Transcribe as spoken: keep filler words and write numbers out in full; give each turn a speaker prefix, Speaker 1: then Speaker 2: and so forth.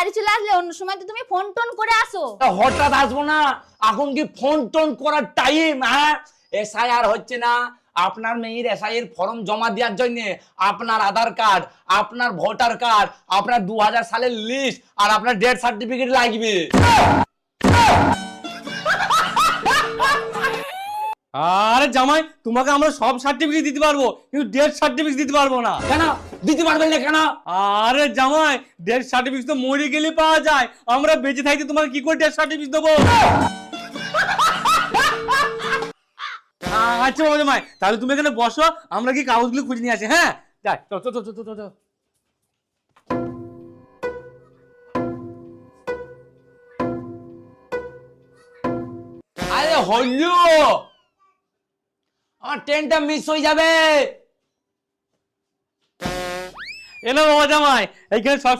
Speaker 1: বাড়ি চলে আসলে, অন্য সময় তো তুমি ফোন টোন করে আসো।
Speaker 2: হঠাৎ আসবো না, এখন কি ফোন টোন করার টাইম? হ্যাঁ, এসআইআর হচ্ছে না, আপনার মেয়ের এসআইআর ফর্ম জমা দেওয়ার জন্য আপনার আধার কার্ড, আপনার ভোটার কার্ড, আপনার দু হাজার সালের লিস্ট আর আপনার ডেথ সার্টিফিকেট লাগবে।
Speaker 3: আরে জামাই, তোমাকে আমরা সব সার্টিফিকেট দিতে পারবো, কিন্তু ডেথ সার্টিফিকেট দিতে পারবো না।
Speaker 2: কেন দিতে পারবেন না কেন?
Speaker 3: আরে জামাই, ডেথ সার্টিফিকেট তো মরে গেলে পাওয়া যায়, আমরা বেঁচে থাকতে তোমাকে কি করে ডেথ সার্টিফিকেট দেবো? আচ্ছা বাবা জামাই, তাহলে তুমি এখানে বসো, আমরা কি কাগজগুলো খুঁজে নিয়ে আসি। হ্যাঁ, যাই, চল চল চল চল চল।
Speaker 2: আরে হইলো, আমার ট্রেনটা মিস হয়ে যাবে।
Speaker 3: এলো বাবা জামাই, এইখানে সব